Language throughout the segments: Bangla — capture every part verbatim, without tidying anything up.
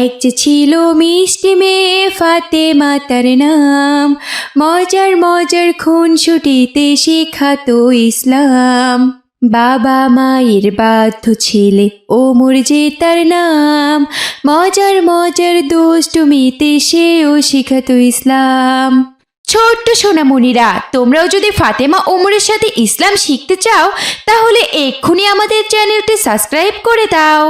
এক যে ছিল মিষ্টি মেয়ে ফাতেমা তার নাম, মজার মজার খুনসুটিতে শেখাতো ইসলাম। বাবা মায়ের বাধ্য ছেলে ওমর যে তার নাম, মজার মজার দুষ্টুমিতে সেও শিখাতো ইসলাম। ছোট্ট সোনামণিরা, তোমরাও যদি ফাতেমা ওমরের সাথে ইসলাম শিখতে চাও তাহলে এক্ষুনি আমাদের চ্যানেলটি সাবস্ক্রাইব করে দাও।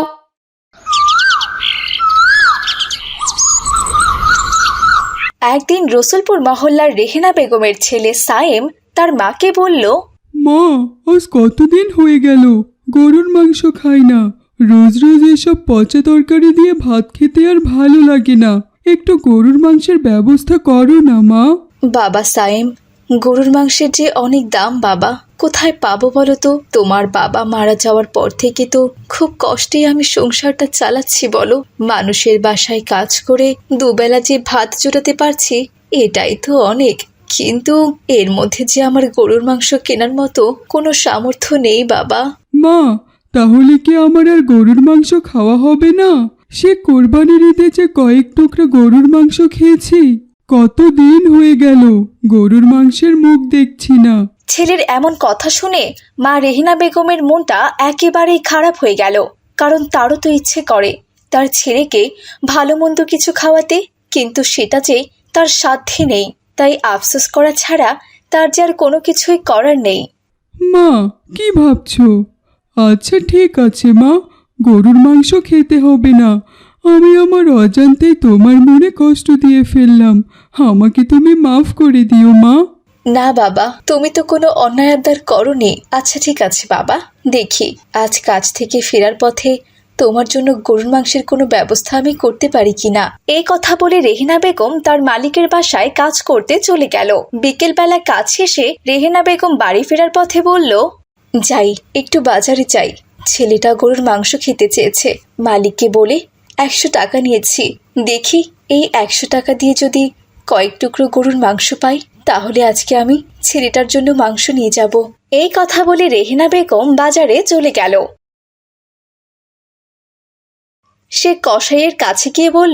একদিন রসুলপুর মহল্লার রেহেনা বেগমের ছেলে সায়েম তার মাকে বলল, মা, আজ কতদিন হয়ে গেল গরুর মাংস খাই না। রোজ রোজ এসব পচা তরকারি দিয়ে ভাত খেতে আর ভালো লাগে না। একটু গরুর মাংসের ব্যবস্থা করো না মা। বাবা সায়েম, গরুর মাংসের যে অনেক দাম বাবা, কোথায় পাবো বলো তো? তোমার বাবা মারা যাওয়ার পর থেকে তো খুব কষ্টেই আমি সংসারটা চালাচ্ছি বলো। মানুষের বাসায় কাজ করে দুবেলা যে ভাত জোটাতে পারছি এটাই তো অনেক, কিন্তু এর মধ্যে যে আমার গরুর মাংস কেনার মতো কোনো সামর্থ্য নেই বাবা। মা, তাহলে কি আমার আর গরুর মাংস খাওয়া হবে না? সে কোরবানির ঈদে যে কয়েক টুকরা গরুর মাংস খেয়েছি, কতদিন হয়ে গেল গরুর মাংসের মুখ দেখছি না। ছেলের এমন কথা শুনে মা রেহিনা বেগমের মনটা একেবারেই খারাপ হয়ে গেল, কারণ তারও তো ইচ্ছে করে তার ছেলেকে ভালো মন্দ কিছু খাওয়াতে, কিন্তু সেটা যে তার সাধ্যে নেই। তাই আফসোস করা ছাড়া তার যে আর কোনো কিছুই করার নেই। মা, কি ভাবছো? আচ্ছা ঠিক আছে মা, গরুর মাংস খেতে হবে না। আমি আমার অজান্তেই তোমার মনে কষ্ট দিয়ে ফেললাম, আমাকে তুমি মাফ করে দিও মা। না বাবা, তুমি তো কোনো অন্যায় আবদার করোনি। আচ্ছা ঠিক আছে বাবা, দেখি আজ কাজ থেকে ফেরার পথে তোমার জন্য গরুর মাংসের কোনো ব্যবস্থা আমি করতে পারি কিনা। এই কথা বলে রেহেনা বেগম তার মালিকের বাসায় কাজ করতে চলে গেল। বিকেলবেলা কাজ শেষে রেহেনা বেগম বাড়ি ফেরার পথে বলল, যাই একটু বাজারে যাই, ছেলেটা গরুর মাংস খেতে চেয়েছে। মালিককে বলে একশো টাকা নিয়েছি, দেখি এই একশো টাকা দিয়ে যদি কয়েক টুকরো গরুর মাংস পাই তাহলে আজকে আমি ছেলেটার জন্য মাংস নিয়ে যাব। এই কথা বলে রেহেনা বেগম বাজারে চলে গেল। সে কসাইয়ের কাছে গিয়ে বলল,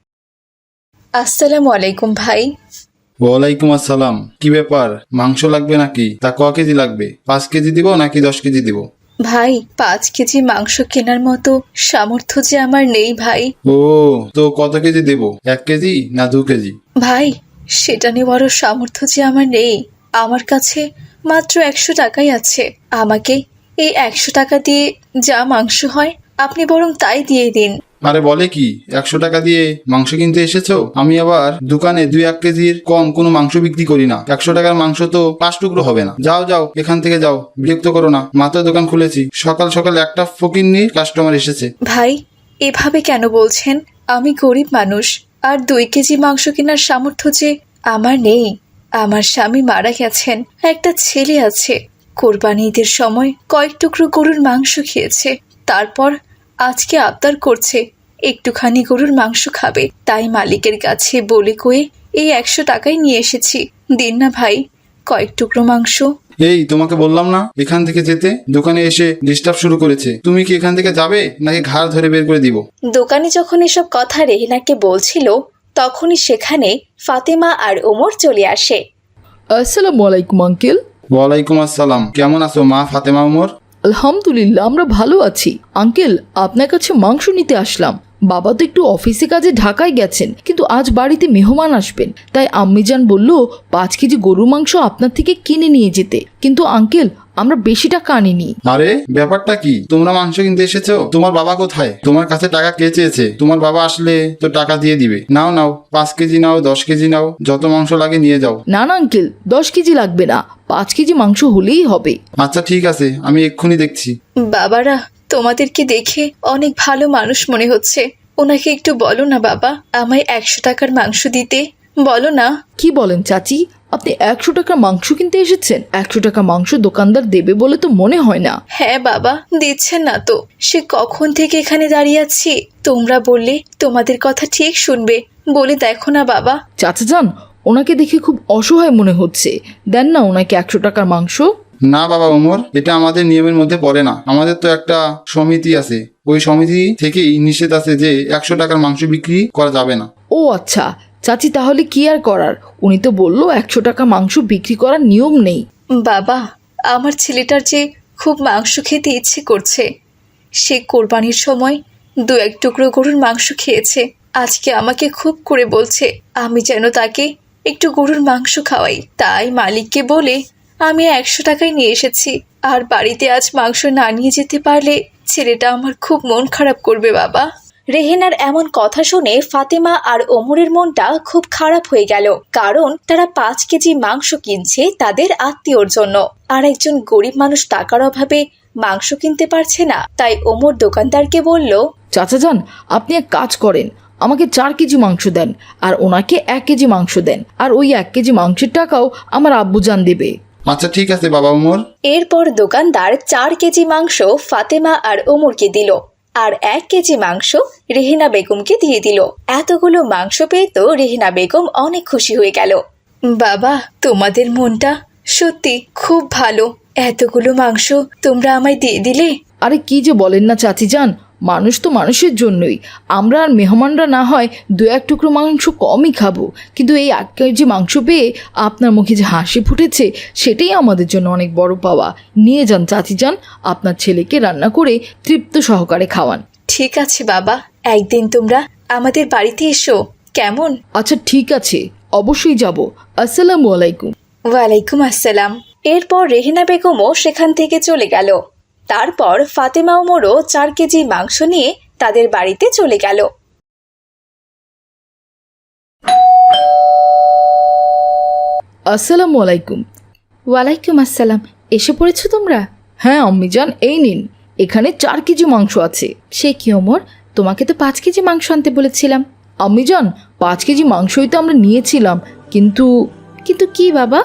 আসসালামু আলাইকুম ভাই। ওয়ালাইকুম আসসালাম। কি ব্যাপার, মাংস লাগবে নাকি? তা ক কেজি লাগবে? পাঁচ কেজি দিব নাকি দশ কেজি দিব? ভাই, পাঁচ কেজি মাংস কেনার মতো সামর্থ্য যে আমার নেই ভাই। ও, তো কত কেজি দেব? এক কেজি না দু কেজি? ভাই, সেটা নেওয়ারও সামর্থ্য যে আমার নেই। আমার কাছে মাত্র একশো টাকাই আছে। আমাকে এই একশো টাকা দিয়ে যা মাংস হয় আপনি বরং তাই দিয়ে দিন। আরে বলে কি, একশো টাকা দিয়ে মাংস কিনতে এসেছো? আমি আবার দোকানে দুই এক কেজির কম কোনো মাংস বিক্রি করি না। একশো টাকার মাংস তো পাঁচ টুকরো হবে না। যাও যাও, এখান থেকে যাও, বিরক্ত করো না। মাত্র দোকান খুলেছি, সকাল সকাল একটা ফকিন্নির কাস্টমার এসেছে। ভাই, এভাবে কেন বলছেন? আমি গরিব মানুষ, আর দুই কেজি মাংস কেনার সামর্থ্য যে আমার নেই। আমার স্বামী মারা গেছেন, একটা ছেলে আছে। কোরবানি ঈদের সময় কয়েক টুকরো গরুর মাংস খেয়েছে, তারপর আজকে আবদার করছে একটুখানি গরুর মাংস খাবে। তাই মালিকের কাছে বলে কয়ে এই একশো টাকাই নিয়ে এসেছি। দিন না ভাই কয়েক টুকরো মাংস। এই, তোমাকে বললাম না এখান থেকে যেতে? দোকানে এসে ডিস্টার্ব শুরু করেছে। তুমি কি এখান থেকে যাবে নাকি ঘাড় ধরে বের করে দিব? দোকানে যখন এসব কথা রেহিনাকে বলছিল তখনই সেখানে ফাতেমা আর ওমর চলে আসে। আসসালামু আলাইকুম আঙ্কেল। ওয়ালাইকুম আসসালাম। কেমন আছো মা ফাতেমা ওমর? আলহামদুলিল্লাহ, আমরা ভালো আছি। আঙ্কেল, আপনার কাছে মাংস নিতে আসলাম। বাবা তো একটু অফিসে কাজে ঢাকায় গেছেন, কিন্তু আজ বাড়িতে মেহমান আসবেন, তাই আম্মিজান বলল পাঁচ কেজি গরুর মাংস আপনার থেকে কিনে নিয়ে যেতে। কিন্তু আঙ্কেল, আমরা বেশি টাকা আনিনি। আরে ব্যাপারটা কি? তোমরা মাংস কিনতে এসেছো? তোমার বাবা কোথায়? তোমার কাছে টাকা কে চেয়েছে? তোমার বাবা আসলে তো টাকা দিয়ে দিবে। নাও নাও, পাঁচ কেজি নাও, দশ কেজি নাও, যত মাংস লাগে নিয়ে যাও। না না আঙ্কেল, দশ কেজি লাগবে না, পাঁচ কেজি মাংস হলেই হবে। আচ্ছা ঠিক আছে, আমি এক্ষুনি দেখছি। বাবারা, তোমাদেরকে দেখে অনেক ভালো মানুষ মনে হচ্ছে। ওনাকে একটু বলো না বাবা, আমায় একশো টাকার মাংস দিতে বলো না। কি বলেন চাচি, আপনি একশো টাকা মাংস কিনতে এসেছেন? একশো টাকা মাংস দোকানদার দেবে বলে তো মনে হয় না। হ্যাঁ বাবা, দিচ্ছেন না তো। সে কখন থেকে এখানে দাঁড়িয়ে আছি, তোমরা বললে তোমাদের কথা ঠিক শুনবে। বলে দেখো না বাবা। চাচা যান, ওনাকে দেখে খুব অসহায় মনে হচ্ছে, দেন না ওনাকে একশো টাকার মাংস। না বাবা ওমর, এটা আমাদের নিয়মের মধ্যে পড়ে না। আমাদের তো একটা সমিতি আছে, ওই সমিতি থেকেই নিষেধ আছে যে একশো টাকার মাংস বিক্রি করা যাবে না। ও আচ্ছা চাচি, তাহলে কি আর করার, উনি তো বললো একশো টাকা মাংস বিক্রি করার নিয়ম নেই। বাবা, আমার ছেলেটার যে খুব মাংস খেতে ইচ্ছে করছে, সে কোরবানির সময় দু এক টুকরো গরুর মাংস খেয়েছে। আজকে আমাকে খুব করে বলছে আমি যেন তাকে একটু গরুর মাংস খাওয়াই। তাই মালিককে বলে আমি একশো টাকায় নিয়ে এসেছি। আর বাড়িতে আজ মাংস না নিয়ে যেতে পারলে ছেলেটা আমার খুব মন খারাপ করবে বাবা। রেহেনার এমন কথা শুনে ফাতেমা আর ওমরের মনটা খুব খারাপ হয়ে গেল, কারণ তারা পাঁচ কেজি মাংস কিনছে তাদের আত্মীয়র জন্য, আর একজন গরিব মানুষ টাকার অভাবে মাংস কিনতে পারছে না। তাই ওমর দোকানদারকে বলল, চাচা যান, আপনি এক কাজ করেন, আমাকে চার কেজি মাংস দেন আর ওনাকে এক কেজি মাংস দেন, আর ওই এক কেজি মাংসের টাকাও আমার আব্বুজান দেবে। আচ্ছা ঠিক আছে বাবা ওমর। এরপর দোকানদার চার কেজি মাংস ফাতেমা আর ওমরকে দিল, আর এক কেজি মাংস রেহেনা বেগমকে দিয়ে দিল। এতগুলো মাংস পেয়ে তো রেহেনা বেগম অনেক খুশি হয়ে গেল। বাবা, তোমাদের মনটা সত্যি খুব ভালো, এতগুলো মাংস তোমরা আমায় দিয়ে দিলে। আরে কি যে বলেন না চাচি যান, মানুষ তো মানুষের জন্যই, আমরা আর মেহমানরা না হয় দু এক টুকরো মাংস কমই খাবো, কিন্তু এই এক কেজি মাংস পেয়ে আপনার মুখে যে হাসি ফুটেছে সেটাই আমাদের জন্য অনেক বড় পাওয়া। নিয়ে যান চাচি যান, আপনার ছেলেকে রান্না করে তৃপ্ত সহকারে খাওয়ান। ঠিক আছে বাবা, একদিন তোমরা আমাদের বাড়িতে এসো, কেমন? আচ্ছা ঠিক আছে, অবশ্যই যাব। আসসালামু আলাইকুম। ওয়ালাইকুম আসসালাম। এরপর রেহেনা বেগমও সেখান থেকে চলে গেল। তারপর ফাতেমা ওমরও চার কেজি মাংস নিয়ে তাদের বাড়িতে চলে গেল। আসসালামু আলাইকুম। ওয়ালাইকুম আসসালাম। এসে পড়েছো তোমরা? হ্যাঁ আম্মিজান, এই নিন, এখানে চার কেজি মাংস আছে। সে কি ওমর, তোমাকে তো পাঁচ কেজি মাংস আনতে বলেছিলাম। আম্মিজান, পাঁচ কেজি মাংসই তো আমরা নিয়েছিলাম, কিন্তু কিন্তু কি বাবা?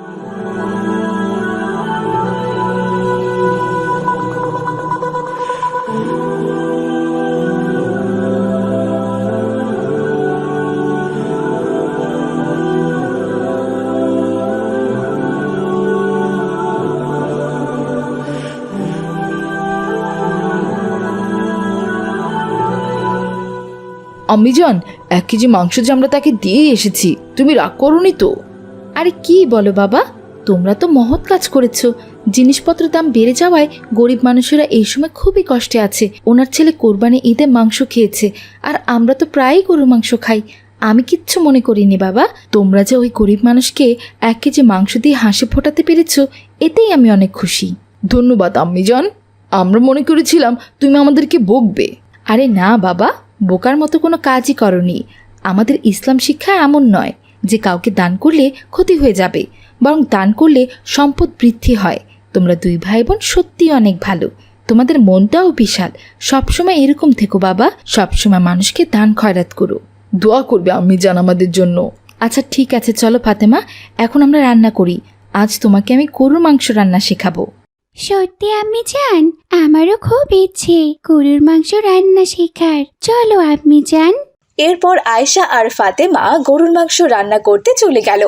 আম্মিজান, এক কেজি মাংস যে আমরা তাকে দিয়ে এসেছি, তুমি রাগ করোনি তো? আরে কি বলো বাবা, তোমরা তো মহৎ কাজ করেছো। জিনিসপত্রের দাম বেড়ে যাওয়ায় গরিব মানুষেরা এই সময় খুবই কষ্টে আছে। ওনার ছেলে কোরবানি ঈদে মাংস খেয়েছে, আর আমরা তো প্রায়ই গরুর মাংস খাই। আমি কিচ্ছু মনে করিনি বাবা। তোমরা যে ওই গরিব মানুষকে এক কেজি মাংস দিয়ে হাসি ফোটাতে পেরেছো, এতেই আমি অনেক খুশি। ধন্যবাদ আম্মিজান, আমরা মনে করেছিলাম তুমি আমাদেরকে বকবে। আরে না বাবা, বোকার মতো কোনো কাজই করনি। আমাদের ইসলাম শিক্ষা এমন নয় যে কাউকে দান করলে ক্ষতি হয়ে যাবে, বরং দান করলে সম্পদ বৃদ্ধি হয়। তোমরা দুই ভাই বোন সত্যিই অনেক ভালো, তোমাদের মনটাও বিশাল। সবসময় এরকম থেকো বাবা, সবসময় মানুষকে দান খয়রাত করো। দোয়া করবে আম্মিজান আমাদের জন্য। আচ্ছা ঠিক আছে, চলো ফাতেমা, এখন আমরা রান্না করি। আজ তোমাকে আমি গরুর মাংস রান্না শেখাবো। সত্যি আম্মি জান, আমারও খুব ইচ্ছে গরুর মাংস রান্না শেখার। চলো আম্মি জান। এরপর আয়েশা আর ফাতেমা গরুর মাংস রান্না করতে চলে গেল।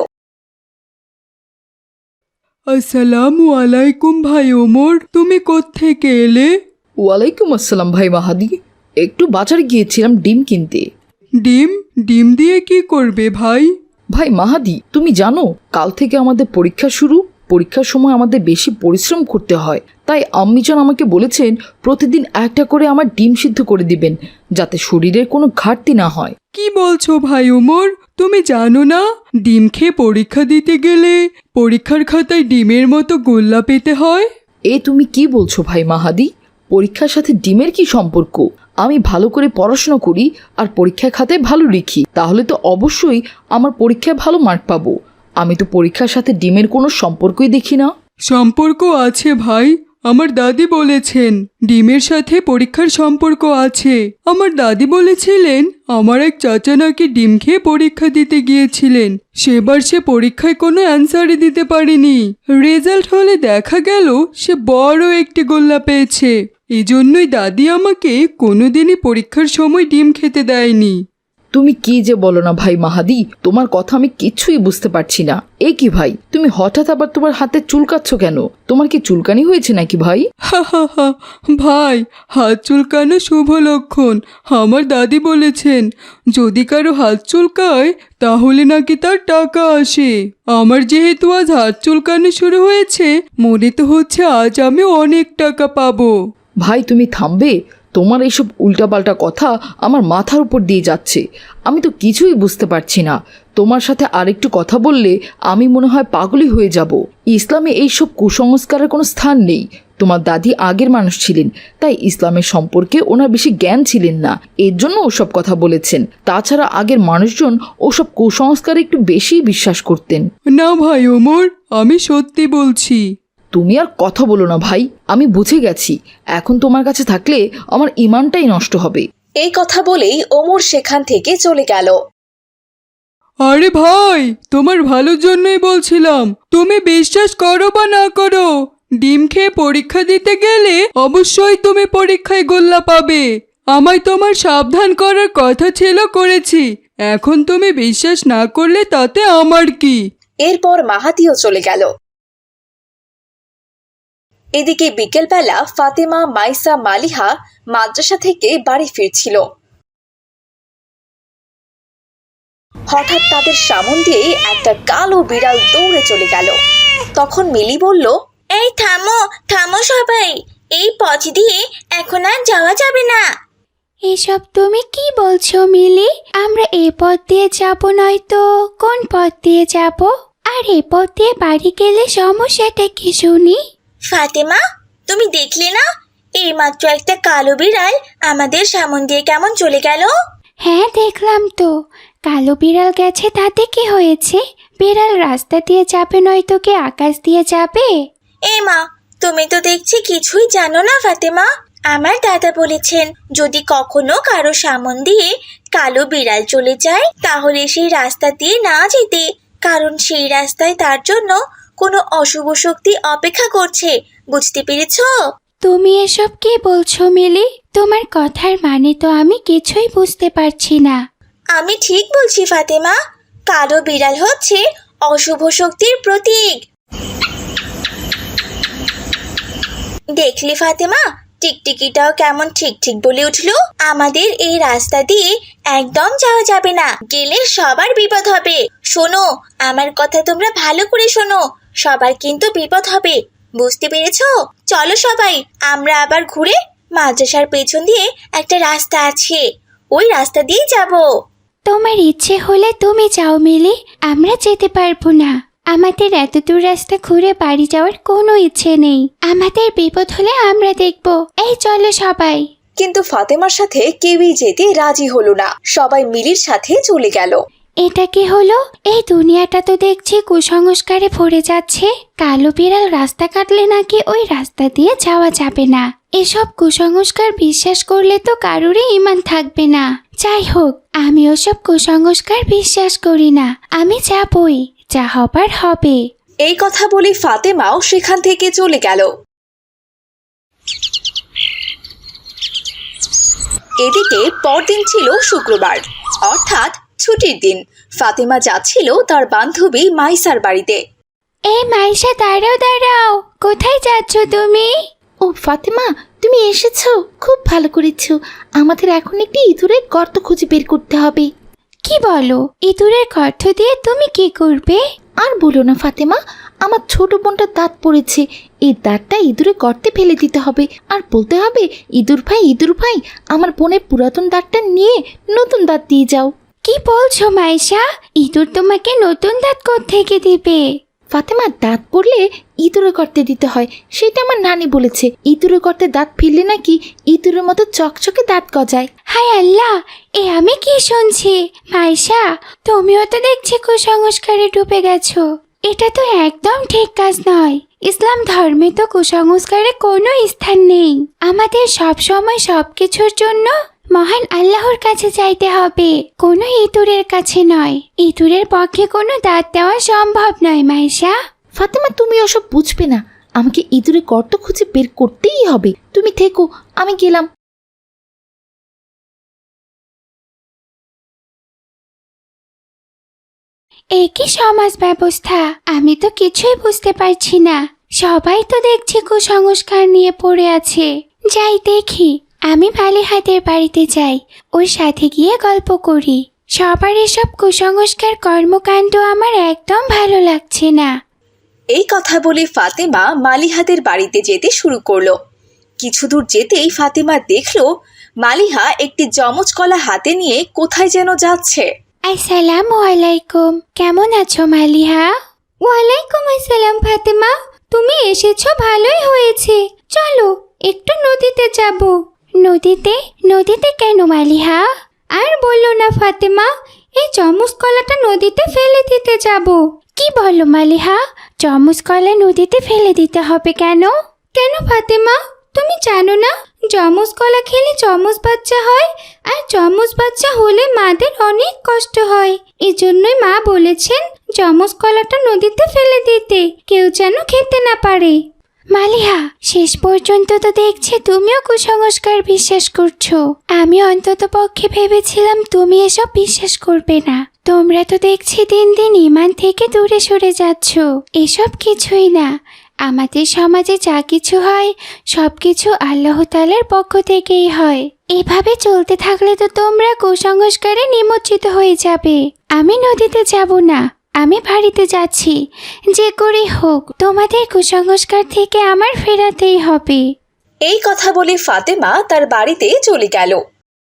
আসসালামু আলাইকুম ভাই ওমর, তুমি কোত্থেকে এলে? ওয়ালাইকুম আসসালাম ভাই মাহাদি, একটু বাজারে গিয়েছিলাম ডিম কিনতে। ডিম? ডিম দিয়ে কি করবে ভাই? ভাই মাহাদি, তুমি জানো কাল থেকে আমাদের পরীক্ষা শুরু। পরীক্ষার সময় আমাদের বেশি পরিশ্রম করতে হয়, তাই আম্মিজান আমাকে বলেছেন প্রতিদিন একটা করে আমার ডিম সিদ্ধ করে দিবেন, যাতে শরীরের কোনো ঘাটতি না হয়। কি বলছো ভাই ওমর, তুমি জানো না ডিম খেয়ে পরীক্ষা দিতে গেলে পরীক্ষার খাতায় ডিমের মতো গোল্লা পেতে হয়? এ তুমি কি বলছো ভাই মাহাদি? পরীক্ষার সাথে ডিমের কি সম্পর্ক? আমি ভালো করে পড়াশোনা করি আর পরীক্ষার খাতায় ভালো লিখি, তাহলে তো অবশ্যই আমার পরীক্ষায় ভালো মার্ক পাবো। আমি তো পরীক্ষার সাথে ডিমের কোনো সম্পর্কই দেখি না। সম্পর্ক আছে ভাই, আমার দাদি বলেছেন ডিমের সাথে পরীক্ষার সম্পর্ক আছে। আমার দাদি বলেছিলেন আমার এক চাচা নাকি ডিম খেয়ে পরীক্ষা দিতে গিয়েছিলেন, সেবার সে পরীক্ষায় কোনো অ্যান্সারই দিতে পারেনি। রেজাল্ট হলে দেখা গেল সে বড় একটি গোল্লা পেয়েছে। এজন্যই দাদি আমাকে কোনোদিনই পরীক্ষার সময় ডিম খেতে দেয়নি। তুমি কি যে বলো না ভাই মাহাদি, তোমার কথা আমি কিছুই বুঝতে পারছি না। এ কি ভাই, তুমি হঠাৎ আবার তোমার হাতে চুলকাচ্ছ কেন? তোমার কি চুলকানি হয়েছে নাকি ভাই? হা হা হা ভাই, হাত চুলকানো শুভ লক্ষণ। আমার দাদি বলেছেন যদি কারো হাত চুলকায় তাহলে নাকি তার টাকা আসে। আমার যেহেতু আজ হাত চুলকানো শুরু হয়েছে, মনে তো হচ্ছে আজ আমি অনেক টাকা পাবো। ভাই তুমি থামবে? তোমার এইসব উল্টাপাল্টা কথা আমার মাথার উপর দিয়ে যাচ্ছে। আমি তো কিছুই বুঝতে পারছি না। তোমার সাথে আরেকটু কথা বললে আমি মনে হয় পাগলই হয়ে যাব। ইসলামে এইসব কুসংস্কারের কোনো স্থান নেই। তোমার দাদি আগের মানুষ ছিলেন, তাই ইসলামের সম্পর্কে ওনার বেশি জ্ঞান ছিলেন না, এর জন্য ওসব কথা বলেছেন। তাছাড়া আগের মানুষজন ওসব কুসংস্কারে একটু বেশিই বিশ্বাস করতেন। না ভাই ওমর, আমি সত্যি বলছি। তুমি আর কথা বলো না ভাই, আমি বুঝে গেছি। এখন তোমার কাছে থাকলে আমার ইমানটাই নষ্ট হবে। এই কথা বলেই ওমর সেখান থেকে চলে গেল। আরে ভাই, তোমার ভালোর জন্যই বলছিলাম। তুমি বিশ্বাস করো বা না করো, ডিম খেয়ে পরীক্ষা দিতে গেলে অবশ্যই তুমি পরীক্ষায় গোল্লা পাবে। আমায় তোমার সাবধান করার কথা ছিল, করেছি। এখন তুমি বিশ্বাস না করলে তাতে আমার কি? এরপর মাহাদিও চলে গেল। এদিকে বিকেলবেলা ফাতেমা, মাইসা, মালিহা মাদ্রাসা থেকে বাড়ি ফিরছিল। হঠাৎ তাদের সামন দিয়ে একটা কালো বিড়াল দৌড়ে চলে গেল। তখন মিলি বলল, এই থামো থামো সবাই, এই পথ দিয়ে এখন আর যাওয়া যাবে না। এসব তুমি কি বলছো মিলি? আমরা এ পথ দিয়ে যাব নয়তো কোন পথ দিয়ে যাব? আর এ পথ দিয়ে বাড়ি গেলে সমস্যাটা কি শুনি? ফাতেমা, তুমি দেখলে না এইমাত্র একটা কালো বিড়াল আমাদের সামন দিয়ে কেমন চলে গেল? হ্যাঁ দেখলাম তো, কালো বিড়াল গেছে, তাতে কি হয়েছে? বিড়াল রাস্তা দিয়ে যাবে নয়তো কি আকাশ দিয়ে যাবে? এ মা, তুমি তো দেখছি কিছুই জানো না ফাতেমা। আমার দাদা বলেছেন যদি কখনো কারো সামন দিয়ে কালো বিড়াল চলে যায় তাহলে সেই রাস্তা দিয়ে না যেতে, কারণ সেই রাস্তায় তার জন্য কোনো অশুভ শক্তি অপেক্ষা করছে। বুঝতে পেরেছো? তুমি এসব কি বলছো মিলি? তোমার কথার মানে তো আমি কিছুই বুঝতে পারছি না। আমি ঠিক বলছি ফাতেমা, কালো বিড়াল হচ্ছে অশুভ শক্তির প্রতীক। দেখলে ফাতেমা, টিকটিকিটাও কেমন ঠিক ঠিক বলে উঠলো। আমাদের এই রাস্তা দিয়ে একদম যাওয়া যাবে না, গেলে সবার বিপদ হবে। শোনো, আমার কথা তোমরা ভালো করে শোনো, সবার কিন্তু বিপদ হবে। বুঝতে পেরেছো? চলো সবাই, আমরা আবার ঘুরে মাদ্রাসার পেছন দিয়ে একটা রাস্তা আছে, ওই রাস্তা দিয়ে যাব। তোমার ইচ্ছে হলে তুমি যাও মিলি, আমরা যেতে পারবো না। আমাদের এত দূর রাস্তা ঘুরে বাড়ি যাওয়ার কোনো ইচ্ছে নেই। আমাদের বিপদ হলে আমরা দেখব। এই চলো সবাই। কিন্তু ফাতেমার সাথে কেউই যেতে রাজি হলো না, সবাই মিলির সাথে চলে গেল। এটা কি হলো? এই দুনিয়াটা তো দেখছি কুসংস্কারে ভরে যাচ্ছে। কালো বিড়াল রাস্তা কাটলে নাকি ওই রাস্তা দিয়ে যাওয়া যাবে না। এসব কুসংস্কার বিশ্বাস করলে তো কারোরই ঈমান থাকবে না। যাই হোক, আমি ওসব কুসংস্কার বিশ্বাস করি না। আমি যাবই, যা হবার হবে। এই কথা বলে ফাতেমাও সেখান থেকে চলে গেল। এদিকে পরদিন ছিল শুক্রবার, অর্থাৎ ছুটির দিন। ফাতেমা যাচ্ছিল তার বান্ধবী মাইসার বাড়িতে। এই মাইশা, দাঁড়াও দাঁড়াও, কোথায় যাচ্ছ তুমি? ও ফাতেমা, তুমি এসেছো, খুব ভালো করেছো। আমাদের এখন একটি ইঁদুরের গর্ত খুঁজে বের করতে হবে। কি বলো? ইঁদুরের গর্ত দিয়ে তুমি কি করবে? আর বলো না ফাতেমা, আমার ছোট বোনটার দাঁত পড়েছে, এই দাঁতটা ইঁদুরের গর্তে ফেলে দিতে হবে। আর বলতে হবে, ইঁদুর ভাই ইঁদুর ভাই, আমার বোনের পুরাতন দাঁতটা নিয়ে নতুন দাঁত দিয়ে যাও। কি বলছো মাইশা? ইঁদুর তোমাকে নতুন দাঁত কোত্থেকে দিবে? ফাতেমা, দাঁত পড়লে ইঁদুরের গর্তে দিতে হয়, সেটা আমার নানি বলেছে। ইঁদুরের গর্তে দাঁত ফেললে নাকি ইঁদুরের মতো চকচকে দাঁত গজায়। হায় আল্লাহ, এ আমি কি শুনছি? মাইশা, তুমিও তো দেখছি কুসংস্কারে ডুবে গেছো। এটা তো একদম ঠিক কাজ নয়। ইসলাম ধর্মে তো কুসংস্কারে কোনো স্থান নেই। আমাদের সব সময় সবকিছুর জন্য মহান আল্লাহর কাছে চাইতে হবে, কোনো ইঁদুরের কাছে নয়। ইঁদুরের পক্ষে কোনো দাঁত দেওয়া সম্ভব নয় মাইশা। ফাতেমা, তুমি ওসব বুঝবে না, আমাকে ইঁদুরের গর্ত খুঁজে বের করতেই হবে। তুমি থেকো, আমি গেলাম। এ কি সমাজ ব্যবস্থা? আমি তো কিছুই বুঝতে পারছি না। সবাই তো দেখছি কুসংস্কার নিয়ে পড়ে আছে। যাই দেখি, আমি মালিহাদের বাড়িতে যাই, ওর সাথে গিয়ে গল্প করি। সবার এসব কুসংস্কার কর্মকাণ্ড আমার একদম ভালো লাগছে না। এই কথা বলে ফাতেমা মালিহাদের বাড়িতে যেতে শুরু করলো। কিছু দূর যেতেই ফাতেমা দেখলো মালিহা একটি যমজ কলা হাতে নিয়ে কোথায় যেন যাচ্ছে। আসসালামু আলাইকুম, কেমন আছো মালিহা? ওয়ালাইকুম আসসালাম ফাতেমা, তুমি এসেছো ভালোই হয়েছে। চলো একটু নদীতে যাব। নদীতে? নদীতে কেন মালিহা? আর বললো না ফাতেমা, এই চমচ কলাটা নদীতে ফেলে দিতে যাব। কি বলো মালিহা, চমচ কলা নদীতে ফেলে দিতে হবে কেন? কেন ফাতেমা, তুমি জানো না চমচ কলা খেলে চমচ বাচ্চা হয়, আর চমচ বাচ্চা হলে মাদের অনেক কষ্ট হয়। এজন্যই মা বলেছেন চমচ কলাটা নদীতে ফেলে দিতে, কেউ যেন খেতে না পারে। মালিহা, শেষ পর্যন্ত তো দেখছি তুমিও কুসংস্কার বিশ্বাস করছো। আমি অন্তত পক্ষে ভেবেছিলাম তুমি এসব বিশ্বাস করবে না। তোমরা তো দেখছি দিন দিন ঈমান থেকে দূরে সরে যাচ্ছ। এসব কিছুই না, আমাদের সমাজে যা কিছু হয় সব কিছু আল্লাহ তাআলার পক্ষ থেকেই হয়। এভাবে চলতে থাকলে তো তোমরা কুসংস্কারে নিমজ্জিত হয়ে যাবে। আমি নদীতে যাব না, আমি বাড়িতে যাচ্ছি। যে করে হোক তোমাদের কুসংস্কার থেকে আমার ফেরাতেই হবে। এই কথা বলে ফাতেমা তার বাড়িতে চলে গেল।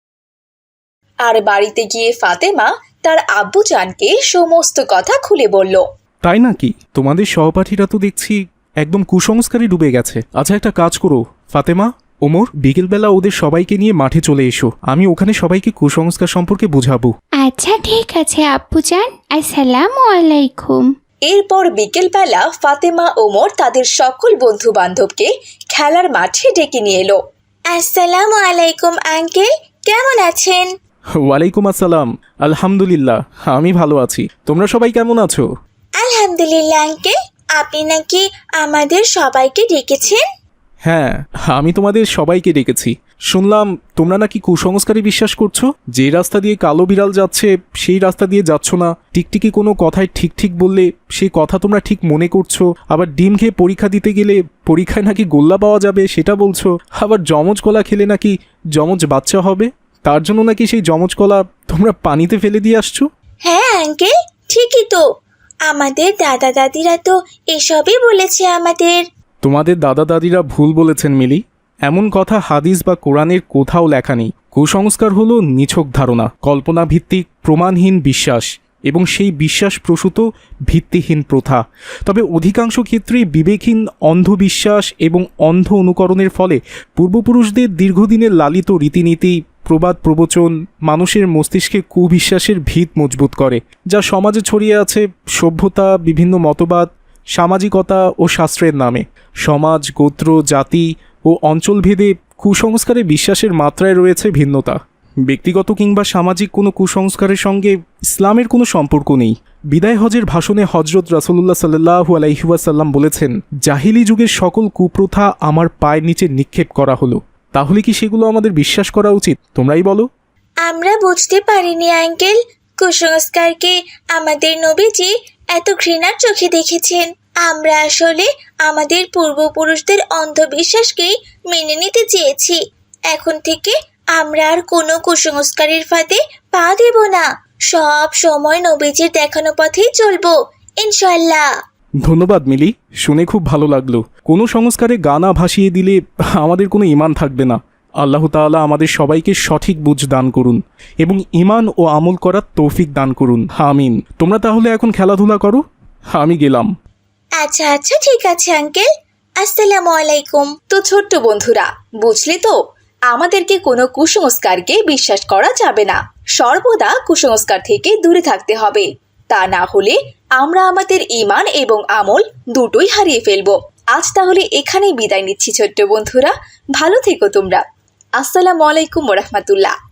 আর বাড়িতে গিয়ে ফাতেমা তার আব্বুজানকে সমস্ত কথা খুলে বলল। তাই নাকি? তোমাদের সহপাঠীরা তো দেখছি একদম কুসংস্কারে ডুবে গেছে। আচ্ছা, একটা কাজ করো ফাতেমা, ওমর, বিকেলবেলা ওদের সবাইকে নিয়ে মাঠে চলে এসো। আমি ওখানে সবাইকে কুসংস্কার সম্পর্কে বুঝাবো। আচ্ছা ঠিক আছে আব্বুজান, আসসালামু আলাইকুম। এরপর বিকেলবেলা ফাতেমা ওমর তাদের সকল বন্ধু বান্ধবকে খেলার মাঠে ডেকে নিয়ে এলো। আসসালামু আলাইকুম আঙ্কেল, কেমন আছেন? ওয়ালাইকুম আসসালাম। আলহামদুলিল্লাহ, আমি ভালো আছি। তোমরা সবাই কেমন আছো? আলহামদুলিল্লাহ আঙ্কেল, আপনি নাকি আমাদের সবাইকে ডেকেছেন? হ্যাঁ, আমি তোমাদের সবাইকে ডেকেছি। শুনলাম তোমরা নাকি কুসংস্কারে বিশ্বাস করছো। যে রাস্তা দিয়ে কালো বিড়াল যাচ্ছে সেই রাস্তা দিয়ে যাচ্ছ না। টিকটিকি কোনো কথায় ঠিক ঠিক বললে সেই কথা তোমরা ঠিক মনে করছো। আবার ডিম খেয়ে পরীক্ষা দিতে গেলে পরীক্ষায় নাকি গোল্লা পাওয়া যাবে সেটা বলছো। আবার যমজ কলা খেলে নাকি যমজ বাচ্চা হবে, তার জন্য নাকি সেই যমজ কলা তোমরা পানিতে ফেলে দিয়ে আসছো। হ্যাঁ আঙ্কেল, ঠিকই তো। আমাদের দাদা দাদিরা তো এসবই বলেছে আমাদের। তোমাদের দাদা দাদিরা ভুল বলেছেন মিলি। এমন কথা হাদিস বা কোরআনের কোথাও লেখা নেই। কুসংস্কার হলো নিছক ধারণা, কল্পনা ভিত্তিক প্রমাণহীন বিশ্বাস এবং সেই বিশ্বাস প্রসূত ভিত্তিহীন প্রথা। তবে অধিকাংশ ক্ষেত্রেই বিবেকহীন অন্ধবিশ্বাস এবং অন্ধ অনুকরণের ফলে পূর্বপুরুষদের দীর্ঘদিনের লালিত রীতিনীতি, প্রবাদ প্রবচন মানুষের মস্তিষ্কে কুবিশ্বাসের ভিত মজবুত করে, যা সমাজে ছড়িয়ে আছে সভ্যতা, বিভিন্ন মতবাদ, সামাজিকতা ও শাস্ত্রের নামে। সমাজ, গোত্র, জাতি ও অঞ্চলভেদে কুসংস্কারে বিশ্বাসের মাত্রায় রয়েছে ভিন্নতা। ব্যক্তিগত কিংবা সামাজিক কোনো কুসংস্কারের সঙ্গে ইসলামের কোনো সম্পর্ক নেই। বিদায় হজের ভাষণে হজরত রাসূলুল্লাহ সাল্লাল্লাহু আলাইহি ওয়াসাল্লাম বলেছেন, জাহিলি যুগের সকল কুপ্রথা আমার পায়ের নিচে নিক্ষেপ করা হলো। তাহলে কি সেগুলো আমাদের বিশ্বাস করা উচিত? তোমরাই বলো। আমরা বুঝতে পারিনি আঙ্কেল, কুসংস্কারকে আমাদের নবীজি এত ঘৃণার চোখে দেখেছেন। আমরা আসলে আমাদের পূর্বপুরুষদের অন্ধবিশ্বাসকেই মেনে নিতে চেয়েছি। এখন থেকে আমরা আর কোনো কুসংস্কারের ফাঁদে পা দেব না। সব সময় নবীজির দেখানো পথেই চলবো ইনশাআল্লাহ। ধন্যবাদ মিলি, শুনে খুব ভালো লাগলো। কোনো সংস্কারে গানা ভাসিয়ে দিলে আমাদের কোনো ঈমান থাকবে না। আল্লাহ তাআলা আমাদের সবাইকে সঠিক বুঝ দান করুন এবং ঈমান ও আমল করার তৌফিক দান করুন, আমিন। তোমরা তাহলে এখন খেলাধুলা করো, আমি গেলাম। আচ্ছা আচ্ছা ঠিক আছে আঙ্কেল, আসসালামু আলাইকুম। তো ছোট্ট বন্ধুরা, বুঝলে তো, আমাদেরকে কোনো কুসংস্কারকে বিশ্বাস করা যাবে না। সর্বদা কুসংস্কার থেকে দূরে থাকতে হবে। তা না হলে আমরা আমাদের ঈমান এবং আমল দুটোই হারিয়ে ফেলবো। আজ তাহলে এখানেই বিদায় নিচ্ছি ছোট্ট বন্ধুরা, ভালো থেকো তোমরা। আসসালামু আলাইকুম ওয়া রাহমাতুল্লাহ।